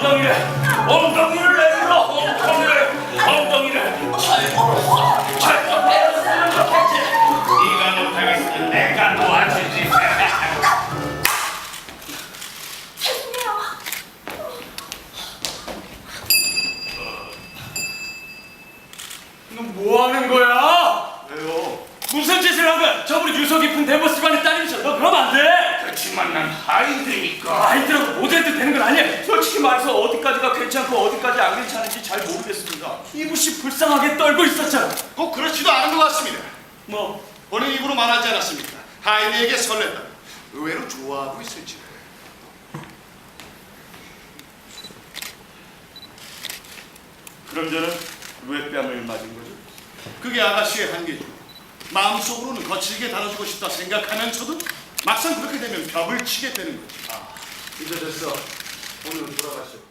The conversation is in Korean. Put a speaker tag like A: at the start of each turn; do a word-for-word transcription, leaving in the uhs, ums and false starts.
A: 엉덩이를 엉덩이를 내밀어 엉덩이를 엉덩이를 잘못했어 잘못했어 네가 못하겠으면 내가 도와주지.
B: 죄송해요.
C: 너 뭐 하는 거야?
A: 왜요?
C: 무슨 짓을 한 거야? 저분이 유서 깊은 대보 집안의 딸이셔. 너 그러면 안 돼.
A: 그렇지만 난 하인드니까.
C: 아이들하고 모델도 되는 건 아니야. 솔직히 말해서 어디까지가 괜찮고 어디까지 안 괜찮은지 잘 모르겠습니다. 이붓이 불쌍하게 떨고 있었잖아.
D: 꼭 그렇지도 않은 것 같습니다.
C: 뭐
D: 본인 입으로 말하지 않았습니까? 하인에게 설렜다. 의외로 좋아하고 있을지.
C: 그럼 저는 왜 뺨을 맞은 거죠?
D: 그게 아가씨의 한계죠. 마음속으로는 거칠게 다뤄주고 싶다 생각하면서도 막상 그렇게 되면 벽을 치게 되는 거죠.
E: 이제 됐어. 오늘은 돌아가시오.